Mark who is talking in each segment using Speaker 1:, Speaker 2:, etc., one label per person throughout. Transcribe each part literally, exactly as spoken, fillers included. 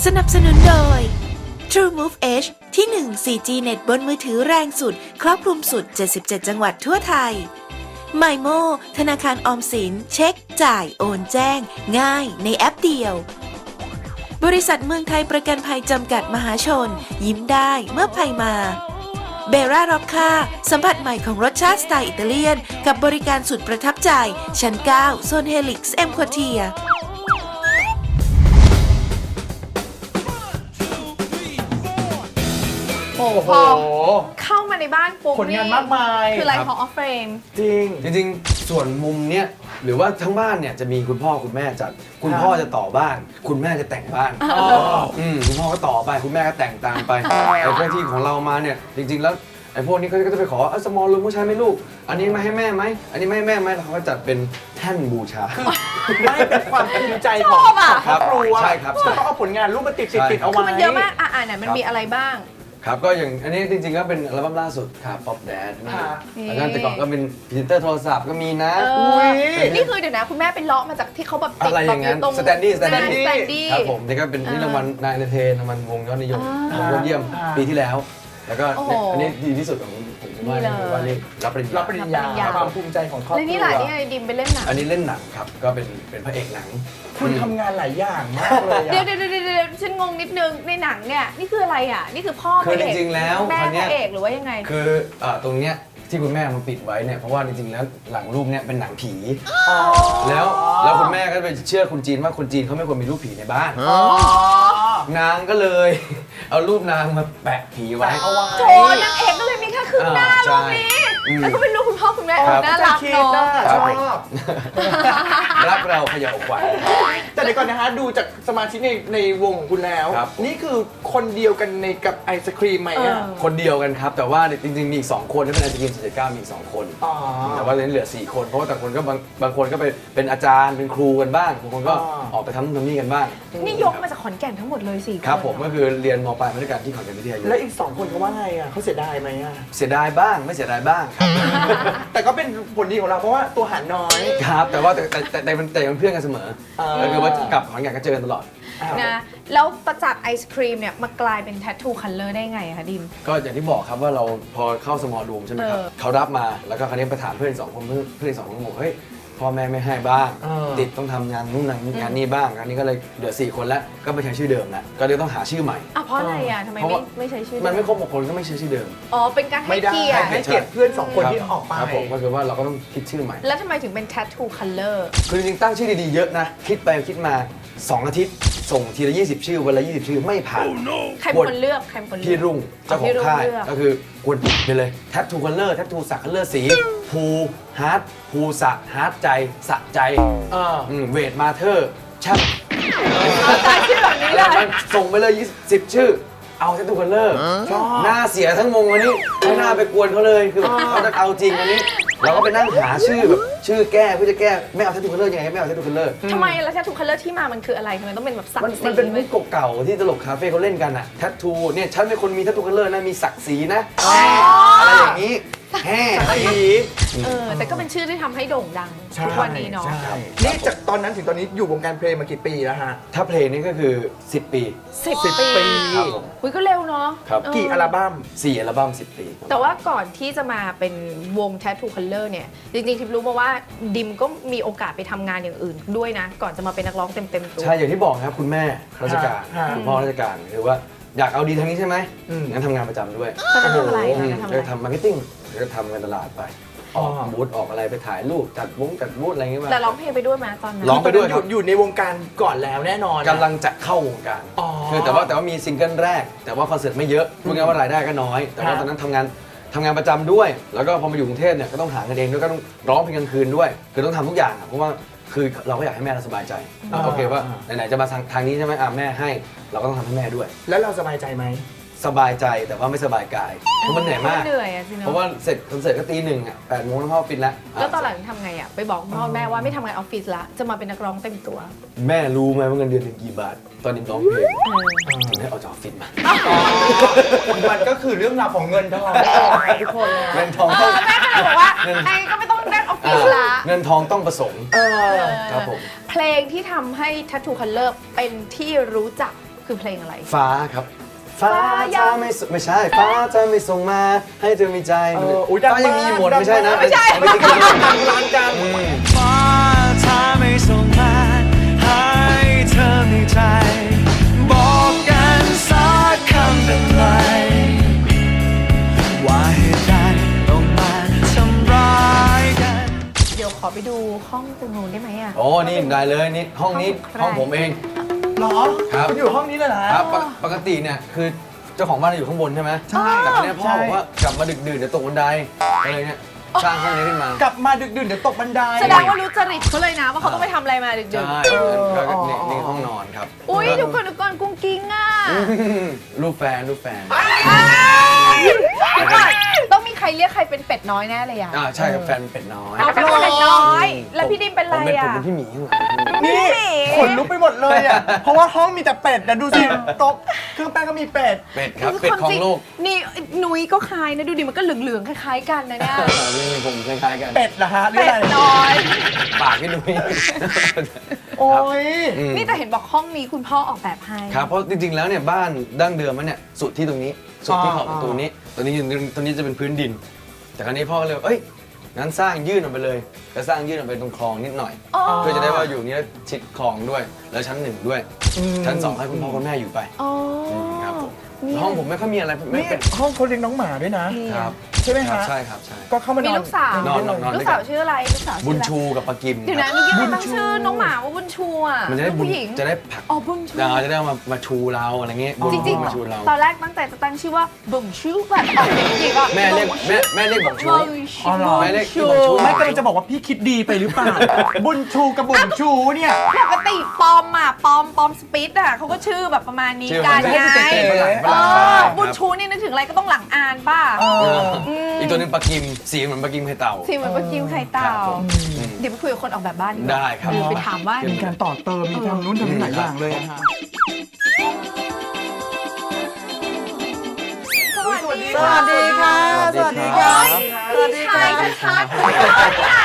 Speaker 1: สนับสนุนโดย TrueMove Edge ที่ หนึ่ง โฟร์จี เน็ตบนมือถือแรงสุดครอบคลุมสุดเจ็ดสิบเจ็ดจังหวัดทั่วไทย MyMo ธนาคารออมสินเช็คจ่ายโอนแจ้งง่ายในแอปเดียว บริษัทเมืองไทยประกันภัยจำกัดมหาชนยิ้มได้เมื่อภัยมาเบร่าร็อกคาสัมผัสใหม่ของรสชาติสไตล์อิตาเลียนกับบริการสุดประทับใจชั้นเก้าโซนเฮลิกซ์เอ็มควอเทีย
Speaker 2: โอ้โหเข้ามาในบ้านปุ๊บ
Speaker 3: ผลงานมากมาย
Speaker 2: คืออะไรของออฟเฟรม
Speaker 3: จริง
Speaker 4: จริงๆ ส่วนมุมเนี้ยหรือว่าทั้งบ้านเนี่ยจะมีคุณพ่อคุณแม่จัดคุณพ่อจะต่อบ้าน คุณแม่จะแต่งบ้านอืมคุณพ่อก็ต่อไปคุณแม่ก็แต่งตามไปไอ้พวกที่ของเรามาเนี่ยจริงๆแล้วไอ้พวกนี้เขาก็จะไปขอสมอลรูมผู้ชายไหมลูกอันนี้มาให้แม่ไหมอันนี้ไม่ให้แม่ไหมเขาก็จัดเป็นแท่นบูชา
Speaker 3: ไม่เป็นความภูมิใจของครอบครัว
Speaker 4: ใช่ครับใช่
Speaker 3: เขาเอาผลงานรูปมาติดติดติดเอา
Speaker 2: คือ
Speaker 3: ไว้
Speaker 2: มันเยอะมากอ่าไหนมันมีอะไรบ้าง
Speaker 4: ครับก็อย่างอันนี้จริงๆก็เป็นอัลบั้มล่าสุดครับ Pop Dad นี่
Speaker 3: ค่ะ
Speaker 4: แล้วก็แต่ก่อนก็เป็นพรีเซนเตอร์โทรศัพท์ก็มีนะ
Speaker 2: เอ
Speaker 3: อุ๊
Speaker 2: อย นี่คือเดี๋ยวนะคุณแม่ไปเลาะมาจากที่เขาแบบติด
Speaker 4: อะไรอย่างนั้น
Speaker 2: แบบตรง
Speaker 4: สแตนดี้สแตน
Speaker 2: ส
Speaker 4: ดี้
Speaker 2: แตนดี้
Speaker 4: ครับผมนี่ก็เป็นนี่รางวัลนายเอนเตอร์เทนรางวัลวงยอดนิยม
Speaker 2: อ่า
Speaker 4: ยอดเยี่ยม
Speaker 3: อ่า
Speaker 4: ปีที่แล้ว แล้วก็
Speaker 2: โอ้โห
Speaker 4: อันนี้ดีที่สุดของผมคิดว่า
Speaker 2: นี่เลย
Speaker 4: ว่านี่รับปริญ
Speaker 3: รั
Speaker 4: ญา
Speaker 3: บปริญญา
Speaker 2: รับปริญญา
Speaker 3: ความภูมิใจของครอบครัว
Speaker 2: แล้วนี่แหละนี่ไงดิมไปเล่นหนัง
Speaker 4: อันนี้เล่นหนังครับก็เป็นเป็นพระเอกหนัง
Speaker 3: คุณทำงานหลายอย่างมากเลย
Speaker 2: เดี๋ยว
Speaker 3: อะ
Speaker 2: เดี๋ยวเดี๋ยวเดี๋ยวฉันงงนิดนึงในหนังเนี่ยนี่คืออะไรอ่ะนี่คือพ่อ
Speaker 4: คือ
Speaker 2: พะเอก
Speaker 4: จริงๆแล้ว
Speaker 2: แม่
Speaker 4: คนเนี้
Speaker 2: พ
Speaker 4: ย
Speaker 2: ระเอกหรือว่ายังไง
Speaker 4: คือเอ่อตรงเนี้ยที่คุณแม่มาปิดไว้เนี่ยเพราะว่าจริงๆแล้วหลังรูปเนี่ยเป็นหนังผี แล้วแล้วคุณแม่ก็ไปเชื่อคุณจีนว่าคนจีนเขาไม่ควรมีรูปผีในบ้าน นางก็เลย เอารูปนางมาแปะผีไว้
Speaker 3: แปะเอาไว้
Speaker 2: โถนางเอกก็เลยมีแค่ครึ่งหน้า
Speaker 4: อ่า
Speaker 2: รูปนี้
Speaker 4: ใช่อืม
Speaker 2: แล้วก็เป็นรูปคุณพ่อคุณแม่
Speaker 4: ครับ
Speaker 2: น่ารัก
Speaker 3: คิด
Speaker 2: เนาะ
Speaker 3: นะ
Speaker 4: ค
Speaker 3: ช
Speaker 4: รับ
Speaker 3: อบ
Speaker 4: รักเราเขย่าขวัญ
Speaker 3: แต่เดี๋ยวก่อนนะฮะดูจากสมาชิกในในวงของคุณแล้ว
Speaker 4: ครับ
Speaker 3: นี่คือคนเดียวกันในกับไอศครีมไหมอ่ะ
Speaker 4: คนเดียวกันครับ แต่ว่าจริงๆมีอีกสองคนที่เป็นอาจารย์สี่สิบเก้ามีอีกสองคน
Speaker 3: อ๋อ
Speaker 4: แต่ว่าตอนนี้เหลือสี่คนเพราะว่าแต่างคนก็บางบางคนก็ไปเป็นอาจารย์เป็นครูกันบ้างบางคนก็
Speaker 3: อ๋อ
Speaker 4: ออกไปทำนู่นทำนี่กันบ้าง
Speaker 2: นี่ยกมาจากขอนแก่นทั้งหมดเลยสี่
Speaker 4: ครับ
Speaker 2: น
Speaker 4: ผมก็คือเรียนมปลายมาด้วยกันที่ขอนแก่นวิทยายุ
Speaker 3: แล้วอีกสองคนเขาว่าไงอ่ะเขาเสียดายไหมอ่ะ
Speaker 4: เสียดายบ้างไม่เสียดายบ้างครับ
Speaker 3: แต่ก็เป็นผลดีของเราเพราะว่าตัวหารน้อย
Speaker 4: ครับแต่ว่าแต่แต่แต่แต่เป็นแต่เป็นเพื่อนกันเสมอ
Speaker 3: อ่า
Speaker 4: ก็คือว่ากลับขอนแก่นก็เจอกันตลอด
Speaker 2: นะแล้วประจากไอศครีมเนี่ยมากลายเป็นแทททูคัลเลอร์ได้ไงอะคะดิม
Speaker 4: ก็อย่างที่บอกครับว่าเราพอเข้าสมอลรูมใช่ไหมครับ
Speaker 2: เออ
Speaker 4: เขารับมาแล้วก็คราวนี้ไปถามเพื่อนอีกสองคนเพื่อนเพื่อนอีกสองคนบอกเฮ้ยพ่อแม่ไม่ให้บ้าง
Speaker 3: เออ
Speaker 4: ติดต้องทำงานนู่นงานนี่งานนี่บ้างอันนี้ก็เลยเหลือสี่คนแล้วก็ไปใช้ชื่อเดิมแล้วก็เลยต้องหาชื่อใหม่
Speaker 2: อ่ะเพราะอะไรอ่ะทำไม
Speaker 4: เพราะ
Speaker 2: ไม่
Speaker 4: ว่า
Speaker 2: ไม่ใช้ชื่อ
Speaker 4: มันไม่
Speaker 2: เดิ
Speaker 4: ครบหกคนก็ไม่ใช้ชื่อเดิม
Speaker 2: อ๋อเป็นการให้
Speaker 3: ไม่ได้
Speaker 2: เกียรติ
Speaker 3: ให้เกียรติเพื่อนสองคนที่ออกไป
Speaker 4: ครับผมก็คือว่าเราก็ต้องคิดชื่อใหม่
Speaker 2: แล้วทำไมถึงเป็นแทททูคัลเลอร์
Speaker 4: คือจริงๆตั้งชื่อดีๆเยอะนะคิดไปคิดมาสองอาทิตย์ส่งทีละยี่สิบชื่อวันละยี่สิบชื่อไม่ผ่าน
Speaker 2: ใครเป็นคนเลือกใครเป็นคนเลื
Speaker 4: พี่
Speaker 2: อก
Speaker 4: รุ่งเจ้าของค่าย
Speaker 2: พี่รุ่งเลือก
Speaker 4: ก็คือควรไปเลยแท t ทูคัลเลอร์แท t ทูสักคัลเลอร์สีภูฮาร์ดภูสะฮาร์ดใจสะใจ
Speaker 3: เออ
Speaker 4: เวทมาเธอร์ช่าง
Speaker 2: เอาใจชื่อแบบนี้เลย
Speaker 4: ส่งไปเลยยี่สิบชื่อ เอาแท t ทูคัลเลอร์
Speaker 3: ชอบ
Speaker 4: หน้าเสียทั้งวงวันนี้ไม่น่าไปกวนเขาเลยคือเขาจะเอาจริงวันนี้ เราก็ไปนั่งหาชื่อแบบชื่อแก้เพื่อจะแก้ไม่เอาแท t ทูคัลเลอร์ยังไงไม่เอาแท t ทูคัลเลอร์
Speaker 2: ทำไมแล้วแทททูคัลเลอร์ที่มามันคืออะไรทำไมต้องเป็นแบบสัก
Speaker 4: มัน
Speaker 2: สี
Speaker 4: มันเป็นมุกเก่าๆที่ตลกคาเฟ่เขาเล่นกันอะแท t ทูเนี่ยฉันเป็นคนมีแท t ทูคัลเลอร์นะมีศักดิ์ศรีนะอะไรอย่างนี้แฮ่อะไรอย่างนี้
Speaker 2: เออแต่ก็เป็นชื่อที่ทำให้โด่งดังทุกวันนี้เนาะ
Speaker 3: ใช่นี่จากตอนนั้นถึงตอนนี้อยู่วงการเพลงมากี่ปีแล้วฮะ
Speaker 4: ถ้าเพลงนี้ก็คือสิบปี
Speaker 2: สิบ
Speaker 3: สิบ
Speaker 2: ปี
Speaker 3: ปี
Speaker 4: ครับผม
Speaker 2: คุยก็เร็วเนาะ
Speaker 4: ครับ
Speaker 2: เออ
Speaker 3: กี่อัลบั้ม
Speaker 4: สี่อัลบั้มสิบปี
Speaker 2: แต่ว่าก่อนที่จะมาเป็นวง Tattoo Color เนี่ย จริงๆทิพย์รู้มาว่าดิมก็มีโอกาสไปทำงานอย่างอื่นด้วยนะ ก่อนจะมาเป็นนักร้องเต็มๆตัว
Speaker 4: ใช่อย่างที่บอกนะครับคุณแม่ราชการ
Speaker 3: ฮะ
Speaker 4: คุณพ่อราชการคือว่าอยากเอาดีทางนี้ใช่ไหม
Speaker 3: อืม
Speaker 4: งั้นทำงานประจำด้วย
Speaker 2: ตอนนั้นทำอะไร
Speaker 4: อื
Speaker 2: ตอน
Speaker 4: ม
Speaker 2: นั้นทำอะไร
Speaker 4: ก็ทำมาร์เก็ตติ้งแล้วก็ทำการตลาดไปออกบูธออกอะไรไปถ่ายรูปจัดวงจัดบูธอะไรอย่างเงี้ยมา
Speaker 2: แต่ร้องเพลงไปด้วยไหมตอนนั้น
Speaker 4: ร้องไปด้วยครับ
Speaker 3: อยู่ในวงการก่อนแล้วแน่นอน
Speaker 4: กำลังจะเข้าวงการ
Speaker 3: อ๋อ
Speaker 4: คือแต่ว่าแต่ว่ามีซิงเกิลแรก แต่ว่าคอนเสิร์ตไม่เยอะพูดง่ายๆว่ารายได้ก็น้อย แต่ว่า
Speaker 3: ฮะ
Speaker 4: ตอนนั้นทำงานทำงานประจำด้วย แล้วก็พอมาอยู่กรุงเทพเนี่ยก็ต้องหาเงินเองด้วยก็ต้องร้องเพลงกลางคืนด้วย คือต้องทำทุกอย่างอะเพราะว่าคือเราก็อยากให้แม่เราสบายใจโอเคว่าไหนๆจะมาทางทางนี้ใช่ไหมอ่ะแม่ให้เราก็ต้องทำให้แม่ด้วย
Speaker 3: แล้วเราสบายใจไหม
Speaker 4: สบายใจแต่ว่าไม่สบายกายเพราะมันเหนื่อยมาก
Speaker 2: เหนื่อยอะสิเนาะ
Speaker 4: เพราะว่าเสร็จคอนเสิร์ตก็ตีหนึ่งอ่ะแปดโมงแล้วพ่อปิดแล้ว
Speaker 2: แล้วตอนหลังทำไงอะไปบอกพ่อแม่ว่าไม่ทำงานออฟฟิศละจะมาเป็นนักร้องเต็มตัว
Speaker 4: แม่รู้ไหมว่าเงินเดือนถึงกี่บาท ตอนนี้ร้องเพลง
Speaker 2: เออ
Speaker 4: ถึงให้ออกจากออฟฟิศมา
Speaker 3: มันก็คือเรื่องราวของเงินทองทุกคนนะ
Speaker 4: เงินทอง
Speaker 2: เอ
Speaker 4: ต้อง
Speaker 2: อแม่ก็เลยบอกว่าไอ้ก็ไม่ต้องได้ออฟฟิศละ
Speaker 4: เงินทองต้องผสม
Speaker 3: เออ
Speaker 4: ครับผม
Speaker 2: เพลงที่ทำให้ Tattoo Color เป็นที่รู้จักคือเพลงอะไร
Speaker 4: ฟ้าครับฟ้าจะไม่ส่งไม่ใช่ฟ้าจะไม่ส่งมาให้เธอมีใจ
Speaker 3: เอออุ๊ยดัง
Speaker 4: ฟ้ายังมีหมด
Speaker 3: มาก
Speaker 4: ไม่ใช่นะ
Speaker 2: ไม่ใช่
Speaker 4: ไม่ใช่
Speaker 3: ดังร้านกัน
Speaker 5: ฟ้าถ้าไม่ส่งมาให้เธอมีใจ บอกกันสักคำเป็นไรว่าเหตุใดต้องมาทำร้ายกัน
Speaker 2: เดี๋ยวขอไปดูห้องตรงนู้นได้ไหมอ่ะ
Speaker 4: โอ้นี่ได้เลยนี่ห้องนี้
Speaker 2: ห้องใคร
Speaker 4: ห้องผมเอง
Speaker 3: เหรอ
Speaker 4: ครับ
Speaker 3: มันอยู่ห้องนี้เลยเหรอ
Speaker 4: ครับปกปกติเนี่ยคือเจ้าของบ้านอยู่ข้างบนใช่ไหม
Speaker 3: ใช่
Speaker 4: แต่ครั้งนี้พ่อ
Speaker 3: ใช่
Speaker 4: บอกว่ากลับมาดึกดื่นเดี๋ยวตกบันไดก็เลยเนี่ยสร้างห้องนี้ขึ้นมาก
Speaker 3: ลับมาดึกดื่นเดี๋ยวตกบันได
Speaker 2: แสดงว่ารู้จริตเขาเลยนะว่าเขาต้องไปทำอะไรมาดึก
Speaker 4: ใช่
Speaker 2: ๆ
Speaker 4: ก็ก็
Speaker 3: อ๋อ
Speaker 4: นี่นี่ห้องนอนครับ
Speaker 2: อุ้ยเดี๋ยวก่อนเดี๋ยวก่อนกุ้งกิ้งอ่ะ
Speaker 4: รูปแฟนรูปแฟน
Speaker 2: เดี๋ยวก่อนต้องมีใครเรียกใครเป็นเป็ดน้อยแน่เลยอ่ะ
Speaker 4: อ่าใช่ครับแฟนเป็ดน้อย
Speaker 2: เอาเป็นเป็ดน้อย แล้วพี่ดิมเป็นอะไร
Speaker 4: ผมเป็นผม
Speaker 2: อ่ะ
Speaker 4: เป็นพี่หมีข้างหลัง
Speaker 3: นี่ขนลุกไปหมดเลยอ่ะ เพราะว่าห้องมีแต่เป็ดนะดูสิโต๊ะเครื่องแป้งก็มีเป็ด
Speaker 4: เป็ดครับเป็ดของโลก
Speaker 2: นี่หนุยก็คล้ายนะดูดิมันก็เหลืองๆคล้ายๆกันนะเนี่ย
Speaker 4: นี่ผมคล้ายๆกัน
Speaker 3: เป็ดเหรอฮะหรือ
Speaker 2: เป็
Speaker 3: อะ
Speaker 2: ด
Speaker 3: ไร
Speaker 2: น้อย
Speaker 4: ปากพี่นุ้ย
Speaker 3: โอ้ย
Speaker 4: อืม
Speaker 2: นี่แต่เห็นบอกห้องนี้คุณพ่อออกแบบให้
Speaker 4: ครับเพราะจริงๆแล้วเนี่ยบ้านดั้งเดิมมันเนี่ยสุดที่ตรงนี้สุดที่ขอบ
Speaker 3: อ๋อ
Speaker 4: ประตูนี้ตัวนี้ตัวนี้จะเป็นพื้นดิน แต่ครั้นี้พ่อก็เลยเอ้ยงั้นสร้างยื่นออกไปเลยก็สร้างยื่นออกไปตรงคลองนิดหน่อย
Speaker 2: อ๋อ
Speaker 4: เพื่อจะได้ว่าอยู่นี้แล้วชิดคลองด้วย แล้วชั้นหนึ่งด้วย ชั้นสองให้คุณพ่อคุณแม่อยู่ไป
Speaker 2: อ๋อ
Speaker 4: ครับผม
Speaker 2: นี่
Speaker 4: ห้องผมไม่ค่อยมีอะไรไม่
Speaker 3: นี่
Speaker 4: เป็น
Speaker 3: ห้องเขาเลี้ยงน้องหมาด้วยนะ
Speaker 4: ครับ
Speaker 3: ใช่ไหม
Speaker 4: ครับ
Speaker 3: ฮะ
Speaker 4: ใช่ครับใช่
Speaker 3: ก็เข้ามานอน
Speaker 2: มีลูกสาว
Speaker 4: นอนนอนนอน
Speaker 2: ลูกสาวชื่ออะไรลูกสาว
Speaker 4: บุ
Speaker 2: ชื่อ
Speaker 4: ญ
Speaker 2: อะไร
Speaker 4: ชูกับปากิม
Speaker 2: เดี๋ยวนะนี่กี้ตั้งชื่อน้องหมาว่าบุญชูอ่ะ
Speaker 4: มันจะได้
Speaker 2: ลูก
Speaker 4: บุญ
Speaker 2: ผู้หญิง
Speaker 4: จะได้ผลัก
Speaker 2: อ๋อบุญชู
Speaker 4: เราจะได้มามาชูเราอะไรเงี้ยบุญ
Speaker 2: จริง
Speaker 4: มาชูเรา
Speaker 2: ๆ ตอนแรกตั้งใจจะตั้งชื่อว่าบุญชูแบบออกเสียงจริงๆอ่ะ
Speaker 4: แม่เรียกแม่แม่เรียกบอกชู
Speaker 2: บุญชู
Speaker 3: อ๋อเหรอ
Speaker 4: แม่เรียกบอกชู
Speaker 3: ไม่กำลังจะบอกว่าพี่คิดดีไปหรือเปล่า บุญชูกับบุญชูเนี่ย
Speaker 2: ปกติปอมอ่ะปอมปอมสปิดอ่ะเขาก็ชื่อแบบประมาณนี้
Speaker 4: ชื่อ
Speaker 2: กัน
Speaker 4: มัน
Speaker 2: ไง
Speaker 4: จะให้ฝรั่งฝ
Speaker 2: เอ
Speaker 4: รั่ง
Speaker 2: อ
Speaker 4: ใช่
Speaker 2: บุญ
Speaker 4: ครับ
Speaker 2: ชูนี่นึกถึงอะไรก็ต้องหลังอ่านป่ะ
Speaker 3: เออ
Speaker 4: อีกตัวหนึงปลากิมสีเหมือนปลากิมไข่เต่า
Speaker 2: สีเหมือนปลากิมไข่เต่า
Speaker 4: ครับผม
Speaker 2: เดี๋ยวไปคุยกับคนออกแบบบ้านดีกว่า
Speaker 4: ได้ครับ
Speaker 2: เดี๋ยวไปถามว่า
Speaker 3: มีการต่อเติม มีทำนู้นทำนี่หลายอย่างเลยอะฮะ
Speaker 2: สวัสดี
Speaker 3: สวัสดีค่ะ
Speaker 4: สวัสดีครับ
Speaker 2: พี่ชายชัดๆคุณพ่อใหญ่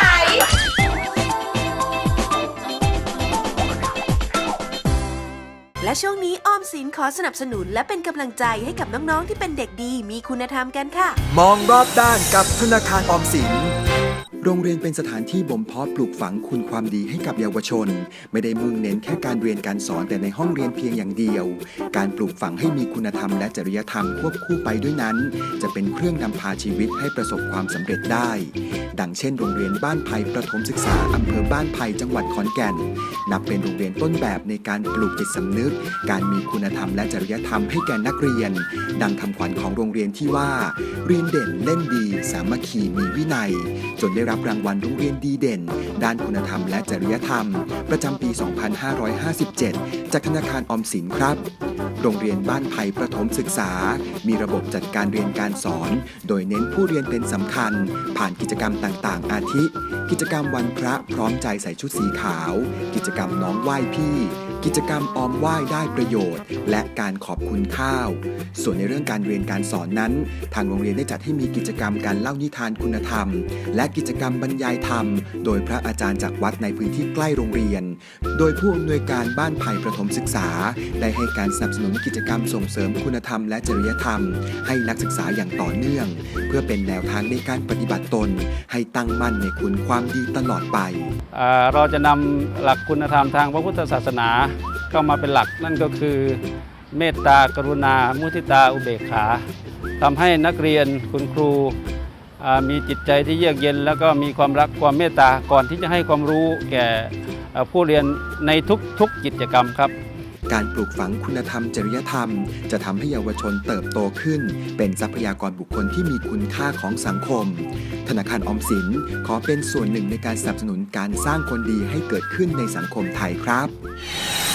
Speaker 1: และช่วงนี้ออมสินขอสนับสนุนและเป็นกำลังใจให้กับน้องๆที่เป็นเด็กดีมีคุณธรรมกันค่ะ
Speaker 6: มองรอบด้านกับธนาคารออมสิน โรงเรียนเป็นสถานที่บ่มเพาะปลูกฝังคุณความดีให้กับเยาวชน ไม่ได้มุ่งเน้นแค่การเรียนการสอนแต่ในห้องเรียนเพียงอย่างเดียว การปลูกฝังให้มีคุณธรรมและจริยธรรมควบคู่ไปด้วยนั้น จะเป็นเครื่องนำพาชีวิตให้ประสบความสำเร็จได้ ดังเช่นโรงเรียนบ้านไผ่ประถมศึกษาอำเภอบ้านไผ่จังหวัดขอนแก่น นับเป็นโรงเรียนต้นแบบในการปลูกจิตสำนึก การมีคุณธรรมและจริยธรรมให้แก่นักเรียน ดังคำขวัญของโรงเรียนที่ว่า เรียนเด่นเล่นดี สามัคคีมีวินัย จนได้รับรางวัลโรงเรียนดีเด่น ด้านคุณธรรมและจริยธรรม ประจำปี สองพันห้าร้อยห้าสิบเจ็ด จากธนาคารออมสินครับ โรงเรียนบ้านไผ่ประถมศึกษา มีระบบจัดการเรียนการสอน โดยเน้นผู้เรียนเป็นสำคัญ ผ่านกิจกรรมต่างๆ อาทิ กิจกรรมวันพระพร้อมใจใส่ชุดสีขาว กิจกรรมน้องไหว้พี่ กิจกรรมออมไหว้ได้ประโยชน์ และการขอบคุณข้าว ส่วนในเรื่องการเรียนการสอนนั้น ทางโรงเรียนได้จัดให้มีกิจกรรมการเล่านิทานคุณธรรม และกิจกรรมบรรยายธรรม โดยพระอาจารย์จากวัดในพื้นที่ใกล้โรงเรียน โดยผู้อำนวยการบ้านไผ่ประถมศึกษา ได้ให้การสนับสนุนกิจกรรมส่งเสริมคุณธรรมและจริยธรรม ให้นักศึกษาอย่างต่อเนื่อง เพื่อเป็นแนวทางในการปฏิบัติตน ให้ตั้งมั่นในคุณความดีตลอดไป
Speaker 7: อ่าเราจะนำหลักคุณธรรมทางพระพุทธศาสนาเข้ามาเป็นหลักนั่นก็คือ เมตตากรุณา มุทิตา อุเบกขาทำให้นักเรียนคุณครูอ่ามีจิตใจที่เยือกเย็น แล้วก็มีความรักความเมตตาก่อนที่จะให้ความรู้แก่อ่าผู้เรียนในทุกๆกิจกรรมครับ
Speaker 6: การปลูกฝังคุณธรรมจริยธรรม จะทำให้เยาวชนเติบโตขึ้น เป็นทรัพยากรบุคคลที่มีคุณค่าของสังคม ธนาคารออมสินขอเป็นส่วนหนึ่งในการสนับสนุนการสร้างคนดีให้เกิดขึ้นในสังคมไทยครับ